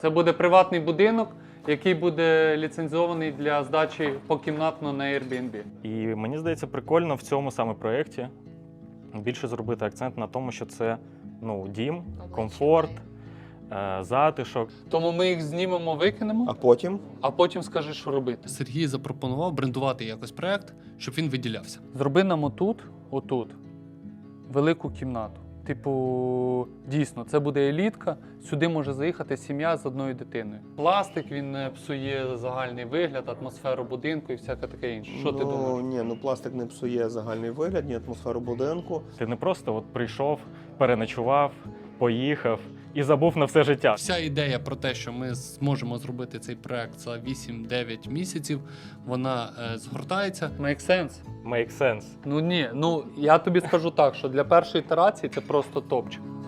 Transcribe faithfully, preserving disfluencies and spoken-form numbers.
Це буде приватний будинок, який буде ліцензований для здачі покімнатно на Airbnb. І мені здається, прикольно в цьому саме проєкті більше зробити акцент на тому, що це ну, дім, комфорт, е, затишок. Тому ми їх знімемо, викинемо, А потім? а потім скажи, що робити. Сергій запропонував брендувати якось проект, щоб він виділявся. Зроби нам отут, отут, велику кімнату. Типу, дійсно, це буде елітка, сюди може заїхати сім'я з одною дитиною. Пластик, він е, псує загальний вигляд, атмосферу будинку і всяке таке інше. Що ну, ти думаєш? Ні, ну пластик не псує загальний вигляд, ні атмосферу будинку. Ти не просто от прийшов, переночував, поїхав і забув на все життя. Вся ідея про те, що ми зможемо зробити цей проект за вісім-дев'ять місяців, вона е, згортається. Make sense? Make sense. Ну ні, ну я тобі скажу так, що для першої ітерації це просто топчик.